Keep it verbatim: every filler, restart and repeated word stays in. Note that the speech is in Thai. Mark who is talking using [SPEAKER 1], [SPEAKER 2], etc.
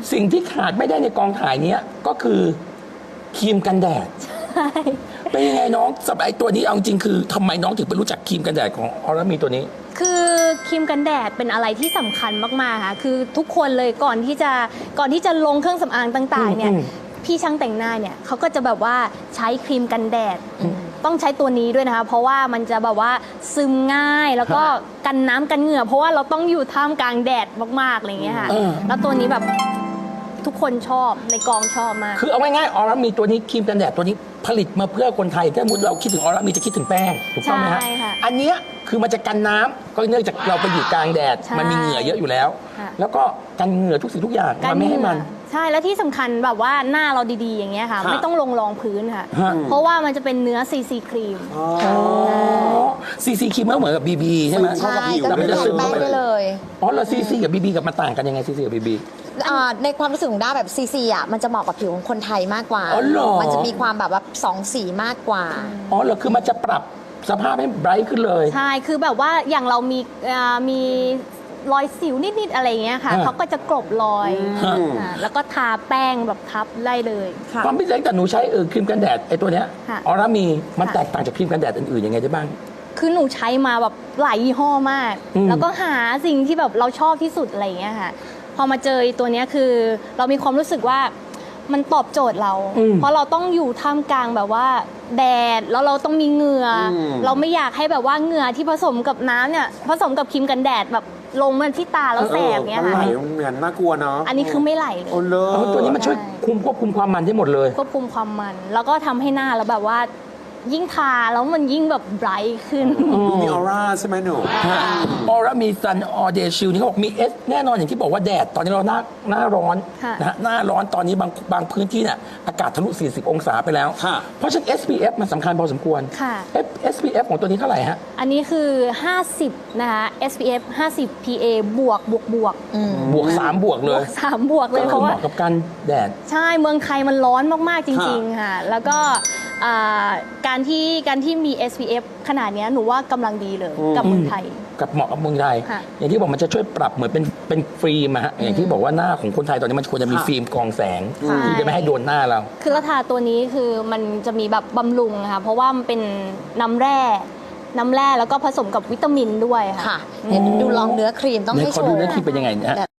[SPEAKER 1] สิ่งที่ขาดไม่ได้ในกองถ่ายเนี้ยก็คือครีมกันแดด
[SPEAKER 2] ใช่
[SPEAKER 1] เป็นยังไงน้องสำหรับไอ้ตัวนี้เอาจริงคือทำไมน้องถึงไปรู้จักครีมกันแดดของออร่ามีตัวนี้
[SPEAKER 2] คือครีมกันแดดเป็นอะไรที่สำคัญมากๆค่ะคือทุกคนเลยก่อนที่จะก่อนที่จะลงเครื่องสำอางต่างๆเนี่ย
[SPEAKER 1] อืม
[SPEAKER 2] พี่ช่างแต่งหน้าเนี่ยเขาก็จะแบบว่าใช้ครีมกันแดดต้องใช้ตัวนี้ด้วยนะคะเพราะว่ามันจะแบบว่าซึมง่ายแล้วก็กันน้ำกันเหงื่อเพราะว่าเราต้องอยู่ท่ามกลางแดดมากๆอะไรอย่างเงี้ยค่ะ
[SPEAKER 1] เออ
[SPEAKER 2] แล้วตัวนี้แบบทุกคนชอบในกองชอบมาก
[SPEAKER 1] คือเอาง่ายๆออร่ามีตัวนี้ครีมกันแดดตัวนี้ผลิตมาเพื่อคนไทยถ้าสมมติเราคิดถึงออร่ามีจะคิดถึงแป้งถูกต้องไหมฮะ
[SPEAKER 2] ใช่ค่ะ
[SPEAKER 1] อันเนี้ยคือมันจะกันน้ำก็เนื่องจากเราไปอยู่กลางแดด
[SPEAKER 2] ใช่
[SPEAKER 1] มันมีเหงื่อเยอะอยู่แล้ว
[SPEAKER 2] ค่ะ
[SPEAKER 1] แล้วก็กันเหงื่อทุกสิ่งทุกอย่างมันไม่ให้มัน
[SPEAKER 2] ใช่แล้วที่สำคัญแบบว่าหน้าเราดีๆอย่างเงี้ยค่ะ
[SPEAKER 3] ค่ะ
[SPEAKER 2] ไม่ต้องลงรองพื้นค่ะ
[SPEAKER 1] ฮะ
[SPEAKER 2] เพราะว่ามันจะเป็นเนื้อซีซีครีม
[SPEAKER 1] ซีซีครีมก็เหมือนกับบีบีใช่ไหม
[SPEAKER 3] เข้ากับผิว
[SPEAKER 4] ก็
[SPEAKER 1] แต่
[SPEAKER 4] คื
[SPEAKER 1] มัน
[SPEAKER 4] อ
[SPEAKER 1] จะ
[SPEAKER 4] แท
[SPEAKER 1] ซึ
[SPEAKER 4] น
[SPEAKER 1] ม
[SPEAKER 4] แป้
[SPEAKER 1] เข้าง ไป
[SPEAKER 4] ได้เลย
[SPEAKER 1] อ๋อแล้วซีซีกับบีบีกับมันต่างกันยังไงซีซีกับบีบี
[SPEAKER 4] อ่าในความรู้สึกของด้าแบบซีซีอ่ะมันจะเหมาะกับผิวของคนไทยมากกว่า
[SPEAKER 1] อ๋อเหรอ
[SPEAKER 4] มันจะมีความแบบว่าสองสีมากกว่า
[SPEAKER 1] อ๋อเหรอคือมันจะปรับสภาพให้ไบรท์ขึ้นเลย
[SPEAKER 2] ใช่ คือแบบว่าอย่างเรามีเอ่อมีรอยสิวนิด ๆ อะไรอย่างเงี้ยค่ะ
[SPEAKER 1] ฮะ
[SPEAKER 2] เขาก็จะกลบรอย
[SPEAKER 1] ฮะ
[SPEAKER 2] อ่าแล้วก็ทาแป้งแบบทับได้เลย
[SPEAKER 1] ความพิเศษแต่หนูใช้เออครีมกันแดดไอ้ตัวเนี้ย
[SPEAKER 2] ค่ะ
[SPEAKER 1] ออร่ามีมัน
[SPEAKER 2] ค่ะ
[SPEAKER 1] แตกต่างจากครีมกันแดดอื่นๆยังไงได้บ้าง
[SPEAKER 2] คือหนูใช้มาแบบหลายยี่ห้อมาก
[SPEAKER 1] อืม
[SPEAKER 2] แล้วก็หาสิ่งที่แบบเราชอบที่สุดอะไรอย่างเงี้ยค่ะ พอมาเจอไอ้ตัวเนี้ยคือเรามีความรู้สึกว่ามันตอบโจทย์เรา
[SPEAKER 1] อืม
[SPEAKER 2] เพราะเราต้องอยู่ท่ามกลางแบบว่าแดด แล้วเราต้องมีเหงื่ออ
[SPEAKER 3] ม
[SPEAKER 2] เราไม่อยากให้แบบว่าเหงื่อที่ผสมกับน้ำเนี่ยผสมกับครีมกันแดดแบบลงมาที่ตาแล้วแสบเงี้ย
[SPEAKER 3] มัน
[SPEAKER 2] ค่ะ
[SPEAKER 3] ไหลมันเหมือนน่ากลัวเนาะ
[SPEAKER 2] อันนี้คือไม่ไหลเลย
[SPEAKER 3] โอ้เล
[SPEAKER 1] อ๋อตัวนี้มันช่วยคุมควบคุมความมันได้หมดเลย
[SPEAKER 2] ควบคุมความมัน แล้วก็ทำให้หน้าเราแบบว่ายิ่งทาแล้วมันยิ่งแบบไบรท์ขึ้น
[SPEAKER 3] ดูมีออร่าใช่ไหมหนู
[SPEAKER 1] ออร่ามีซันออเดชิลนี่เขาบอกมีเอสแน่นอนอย่างที่บอกว่าแดด ตอนนี้เราหน้าหน้าร้อน
[SPEAKER 2] ค่ะ
[SPEAKER 1] นะฮะหน้าร้อนตอนนี้บางบางพื้นที่เนี่ยอากาศทะลุ สี่สิบ องศาไปแล้ว
[SPEAKER 3] ค่ะ
[SPEAKER 1] เพราะฉะนั้น เอส พี เอฟ มันสำคัญพอสมควร
[SPEAKER 2] ค่ะ
[SPEAKER 1] เอส พี เอฟ ของตัวนี้เท่าไหร่ฮะ
[SPEAKER 2] อันนี้คือ ห้าสิบ นะคะ เอส พี เอฟ ห้าสิบ พี เอ บวกบวกบวก
[SPEAKER 1] บวก สาม บวกเล
[SPEAKER 2] บวย กสามบวกเล
[SPEAKER 1] ก็
[SPEAKER 2] ยเพ
[SPEAKER 1] คือ
[SPEAKER 2] ราะ
[SPEAKER 1] เห
[SPEAKER 2] ว่า
[SPEAKER 1] มาะกับการแดด
[SPEAKER 2] ใช่เมืองไทยมันร้อนมาก ๆ จริง
[SPEAKER 3] ค่ะ
[SPEAKER 2] ๆ ค่ะ แล้วก็อ่าการที่การที่มี เอส พี เอฟ ขนาดเนี้ยหนูว่ากำลังดีเลยกับเมืองไทย
[SPEAKER 1] กับเหมาะกับเมืองไทย
[SPEAKER 2] ค่ะ
[SPEAKER 1] อย่างที่บอกมันจะช่วยปรับเหมือนเป็นเป็นฟิล์มอะฮะอย่างที่บอกว่าหน้าของคนไทยตอนนี้มันควรจะมี
[SPEAKER 3] ค่ะ
[SPEAKER 1] ฟิล์มกรองแสง
[SPEAKER 2] ใช่
[SPEAKER 1] ที่จะไม่ให้โดนหน้าเรา
[SPEAKER 2] คือราทาตัวนี้คือมันจะมีแบบบำรุงค่ะ เพราะว่ามันเป็นน้ำแร่ น้ำแร่แล้วก็ผสมกับวิตามินด้วยค่ะ
[SPEAKER 4] ค่ะเดี๋ยวดูลองเนื้อครีมต้อง
[SPEAKER 1] ไหน
[SPEAKER 4] ให้
[SPEAKER 1] ขอ
[SPEAKER 4] โช
[SPEAKER 1] ดู
[SPEAKER 4] ว์
[SPEAKER 1] หน้าที่เป็นยังไงนะฮะ